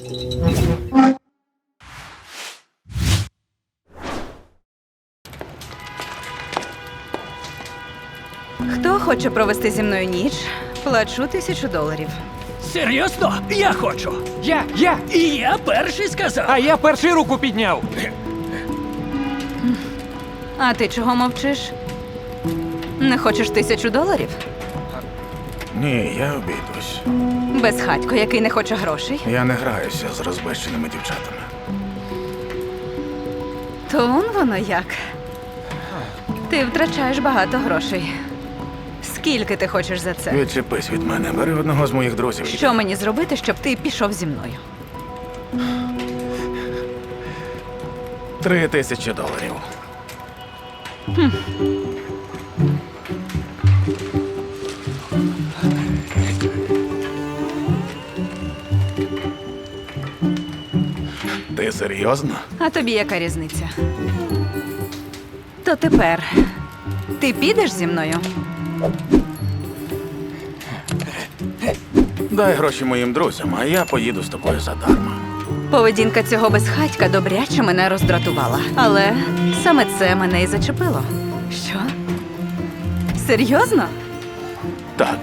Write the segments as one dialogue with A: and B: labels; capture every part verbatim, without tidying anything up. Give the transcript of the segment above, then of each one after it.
A: Хто хоче провести зі мною ніч, плачу тисячу доларів.
B: Серйозно? Я хочу.
C: Я, я,
B: І я перший сказав.
C: а я перший руку підняв.
A: А ти чого мовчиш? Не хочеш тисячу доларів?
D: Ні, я обійдусь.
A: Безхатько, який не хоче грошей?
D: Я не граюся з розбещеними дівчатами.
A: То он воно як. Ти втрачаєш багато грошей. Скільки ти хочеш за це?
D: Відчепись від мене, бери одного з моїх друзів.
A: Що мені зробити, щоб ти пішов зі мною?
D: Три тисячі доларів. Ти серйозно?
A: А тобі яка різниця? То тепер ти підеш зі мною?
D: Дай гроші моїм друзям, а я поїду з тобою задарма.
A: Поведінка цього безхатька добряче мене роздратувала. Але саме це мене і зачепило. Що? Серйозно?
D: Так,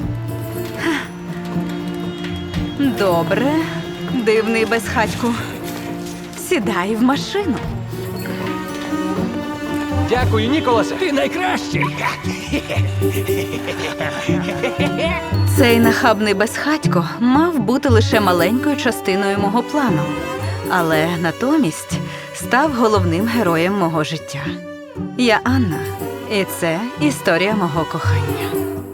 A: Добре, дивний безхатьку. Сідай в машину.
C: Дякую, Ніколасе.
B: Ти найкращий.
A: Цей нахабний безхатько мав бути лише маленькою частиною мого плану, але натомість став головним героєм мого життя. Я Анна, і це історія мого кохання.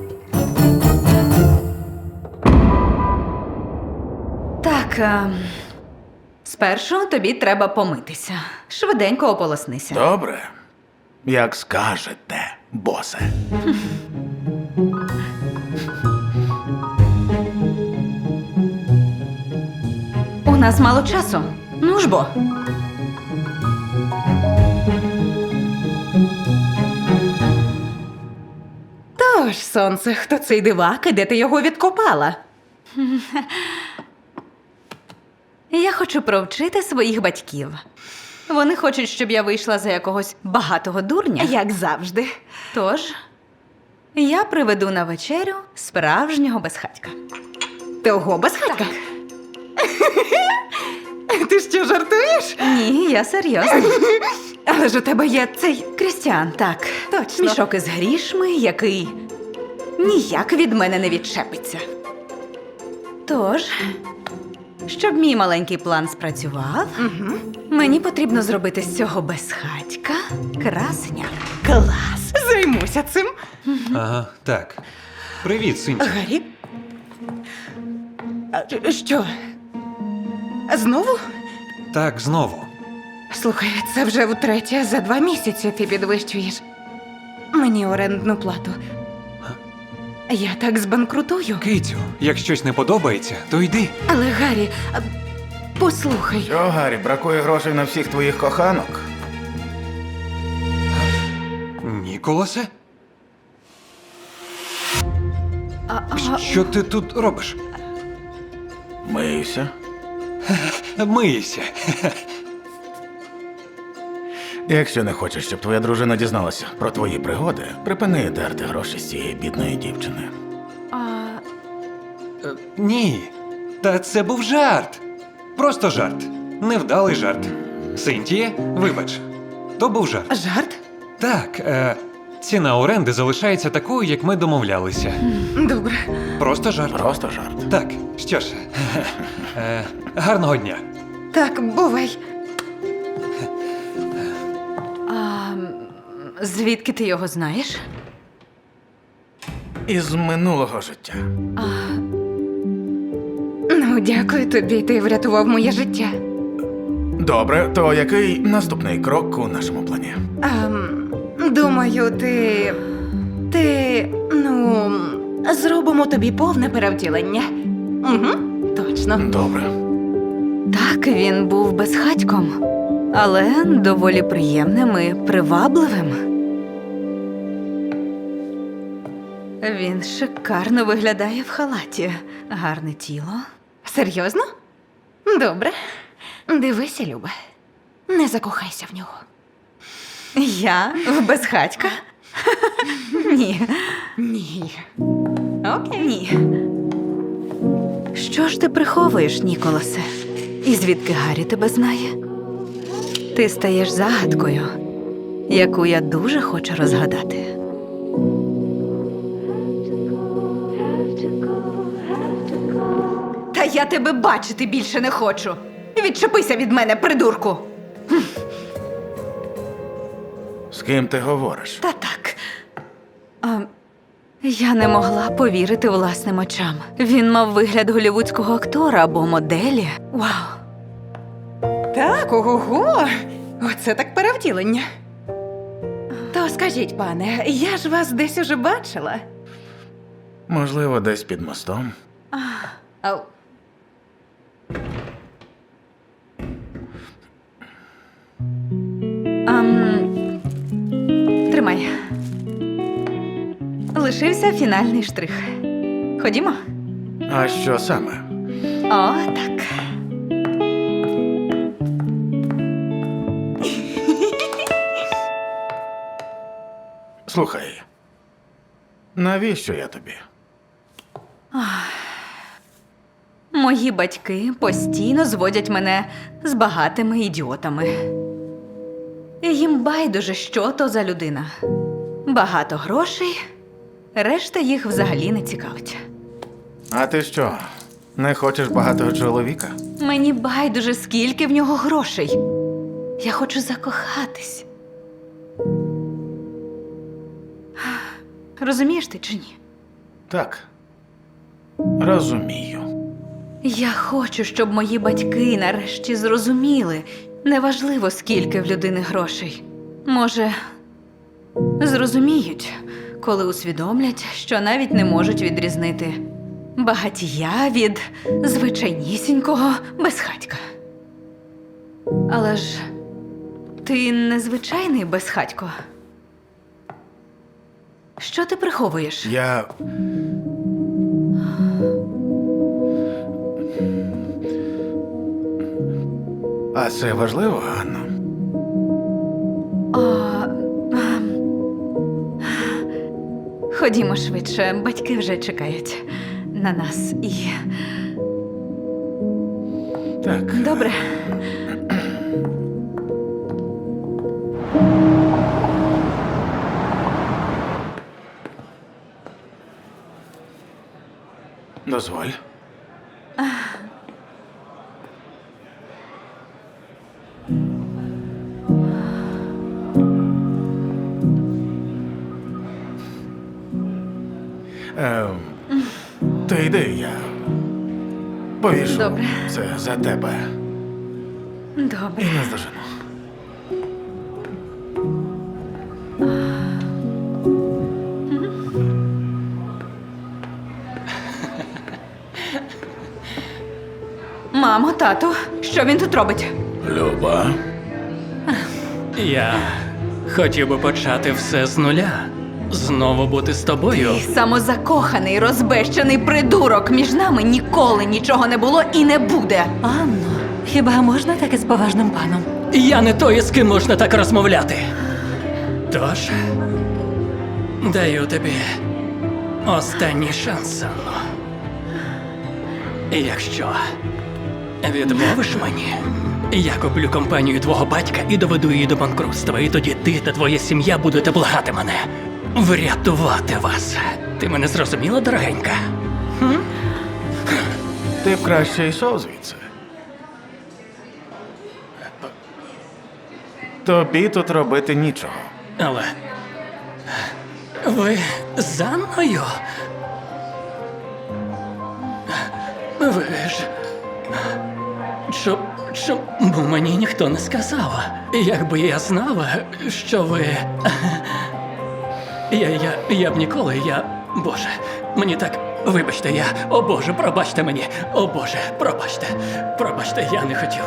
A: Так, а, спершу тобі треба помитися. Швиденько ополоснися.
D: добре. Як скажете, босе.
A: У нас мало часу. Ну ж бо. Тож, сонце, хто цей дивак і де ти його відкопала? Я хочу провчити своїх батьків. Вони хочуть, щоб я вийшла за якогось багатого дурня. Як завжди. Тож, я приведу на вечерю справжнього безхатька. Того безхатька?
E: Ти що, жартуєш?
A: Ні, я серйозно.
E: Але ж у тебе є цей...
A: Крістіан, так.
E: Точно.
A: Мішок із грішми, який ніяк від мене не відчепиться. Тож, щоб мій маленький план спрацював,
E: Угу.
A: мені потрібно зробити з цього безхатька красення.
E: Клас! Займуся цим.
C: Ага, так. Привіт, Синті.
E: Гаррі? А, що? Знову?
C: Так, знову.
E: Слухай, це вже втретє за два місяці ти підвищуєш мені орендну плату. Я так збанкрутую.
C: Китю, як щось не подобається, то йди.
E: Але, Гаррі, а, послухай.
D: Що, Гаррі, бракує грошей на всіх твоїх коханок?
C: Ніколасе?
A: А, а,
C: Що ти тут робиш?
D: Миюся.
C: Мийся.
D: Якщо не хочеш, щоб твоя дружина дізналася про твої пригоди, припини дерти гроші з цієї бідної дівчини.
A: а,
C: Е, Ні. Та це був жарт. Просто жарт. Невдалий жарт. Синтіє, вибач. То був жарт.
E: Жарт?
C: Так, е, ціна оренди залишається такою, як ми домовлялися.
E: Добре.
C: Просто жарт.
D: Просто жарт.
C: Так, що ж. Е, гарного дня.
E: Так, бувай.
A: а, звідки ти його знаєш?
D: Із минулого життя.
A: А,
E: Ну, дякую тобі, ти врятував моє життя.
D: Добре, то який наступний крок у нашому плані?
E: Ем, думаю, ти. Ти. Ну. Зробимо тобі повне перевтілення. Угу, точно.
D: Добре.
A: так, він був безхатьком, але доволі приємним і привабливим. Він шикарно виглядає в халаті. Гарне тіло.
E: Серйозно? Добре. Дивися, Люба. Не закохайся в нього.
A: Я в безхатька? Ні.
E: Ні. Окей.
A: Ні. Що ж ти приховуєш, Ніколасе? І звідки Гаррі тебе знає? Ти стаєш загадкою, яку я дуже хочу розгадати. Та я тебе бачити більше не хочу. Відчепися від мене, придурку.
D: З ким ти говориш?
A: Та так. А, я не могла повірити власним очам. Він мав вигляд голівудського актора або моделі. Вау.
E: Так, ого. Оце так перевтілення. То скажіть, пане, я ж вас десь уже бачила.
D: Можливо, десь під мостом.
E: Ау.
A: Ам... Тримай. Лишився фінальний штрих. Ходімо?
D: А що саме?
A: О, так.
D: Слухай. Навіщо я тобі?
A: Мої батьки постійно зводять мене з багатими ідіотами. І їм байдуже, що то за людина. Багато грошей, решта їх взагалі не цікавить.
D: А ти що? Не хочеш багатого чоловіка?
A: Мені байдуже, скільки в нього грошей. Я хочу закохатись. Розумієш ти чи ні?
D: Так. Розумію.
A: Я хочу, щоб мої батьки нарешті зрозуміли, неважливо, скільки в людини грошей. Може, зрозуміють, коли усвідомлять, що навіть не можуть відрізнити багатія від звичайнісінького безхатька. Але ж ти не звичайний безхатько. Що ти приховуєш?
D: Я. А це важливо, Ганно?
A: А, ем, Ходімо швидше, батьки вже чекають на нас і.
D: Так.
A: Добре.
D: Дозволь. Ем, ти йди, я повішу
A: Добре.
D: це за тебе
A: Добре.
D: і наздожену.
A: Мамо, тату, що він тут робить?
B: Люба. Я хотів би почати все з нуля. Знову бути з тобою.
A: Ти самозакоханий, розбещений придурок. Між нами ніколи нічого не було і не буде.
F: Анно, хіба можна таке з поважним паном?
B: Я не той, з ким можна так розмовляти. Тож, даю тобі останній шанс, Анно. І якщо відмовиш мені, я куплю компанію твого батька і доведу її до банкрутства. І тоді ти та твоя сім'я будете благати мене врятувати вас. Ти мене зрозуміла, дорогенька?
D: Ти б краще йшов звідси. Тобі тут робити нічого.
B: Але ви з Анною? Ви ж. Чо, чому мені ніхто не сказав? Якби я знав, що ви. Я, я, я б ніколи, я. Боже, мені так. Вибачте, я. О Боже, пробачте мені. О Боже, пробачте. Пробачте, я не хотів.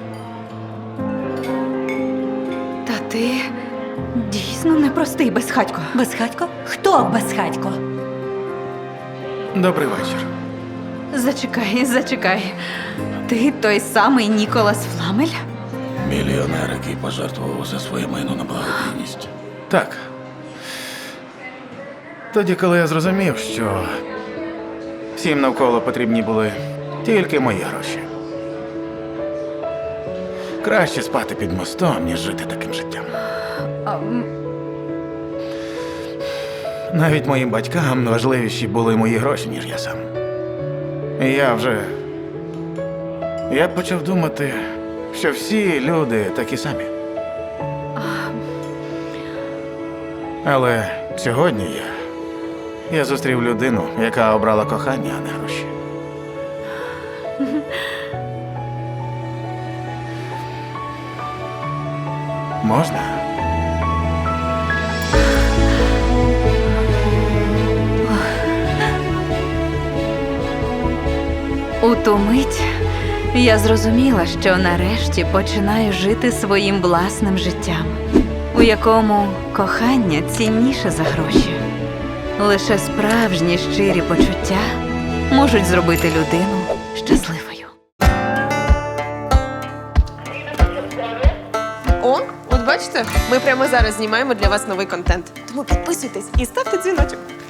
A: Та ти дійсно непростий безхатько.
F: Безхатько? Хто безхатько?
D: Добрий вечір.
A: Зачекай, зачекай. Ти той самий Ніколас Фламель?
D: Мільйонер, який пожертвував усе своє майно на благодійність. Так. Тоді, коли я зрозумів, що всім навколо потрібні були тільки мої гроші. Краще спати під мостом, ніж жити таким життям.
A: А, м,
D: Навіть моїм батькам важливіші були мої гроші, ніж я сам. І я вже. Я почав думати, що всі люди такі самі. Але сьогодні я. Я зустрів людину, яка обрала кохання, а не гроші. Можна?
A: У ту мить я зрозуміла, що нарешті починаю жити своїм власним життям, у якому кохання цінніше за гроші. Лише справжні щирі почуття можуть зробити людину щасливою.
G: О, от бачите, ми прямо зараз знімаємо для вас новий контент. Тому підписуйтесь і ставте дзвіночок.